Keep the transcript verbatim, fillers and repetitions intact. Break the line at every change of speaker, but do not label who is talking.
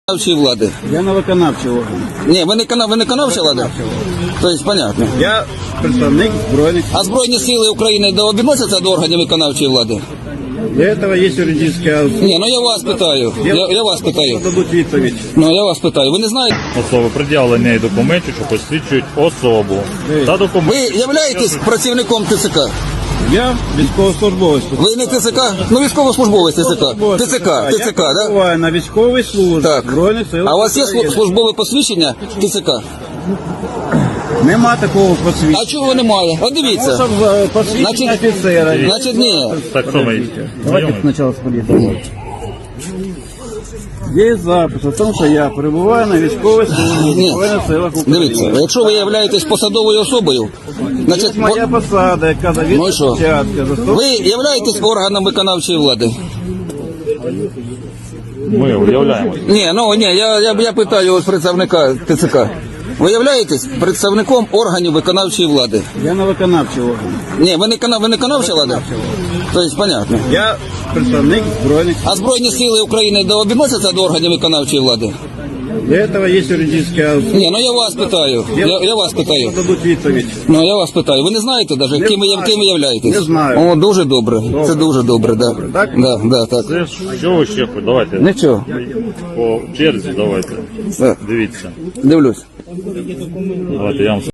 Виконавчої влади.
Я на виконавчий орган.
Ні, ви не, кана- ви не виконавча влада? Тобто, понятно.
Я представник збройних.
А Збройні сили України до- відносяться до органів виконавчої влади?
Для этого есть юридическая особа.
Ні, ну я вас питаю. Я, я вас питаю.
Дадуть відповідь.
Ну я вас питаю. Ви не знаєте?
Особи пред'явлення документів, що посвідчують особу. Та документ.
Ви являєтесь працівником ТЦК?
Я військовослужбовець.
Ви не ТЦК? Ну військовослужбовець ТЦК. ТЦК, ТЦК,
Я
да?
перебуваю на військовій службі
Так.
Збройних сил
А у вас є
України.
слу- службове посвідчення ТЦК?
Нема такого посвідчення.
А чого немає? От дивіться.
Щоб е, посвідчення
Значить-
офіцера.
Значить, ні.
Так що ми знайомі?
Спочатку сподіваємося. Є запис о тому, що я перебуваю на військовій службі
Ні.
Збройних силах України.
Дивіться, якщо ви являєтесь посадовою особою, значить,
Є моя
по-
посада, яка
Ну і
завідує
що?
початка.
ви являєтесь органом виконавчої влади?
Ми уявляємося.
Ні, ну ні, я, я, я питаю ось представника ТЦК. Ви являєтесь представником органів виконавчої влади?
Я на виконавчий орган.
Ні, ви не, кана- ви не виконавча влада? Тобто, понятно.
Я представник збройних.
А Збройні сили України до- відносяться до органів виконавчої влади?
Для этого есть юридическая особа.
Ні, ну я вас питаю. Я, я вас питаю.
Дадуть відповідь.
Ну я вас питаю. Ви не знаєте навіть, ким ви,
знаю.
ким ви являєтесь?
Не знаю.
О, дуже добре. Це дуже добре, да.
Так?
Да, да, так.
Це ж що ви ще хочете? Давайте
Нічого.
по черзі, давайте.
Так,
Дивіться.
дивлюсь.
Давайте я вам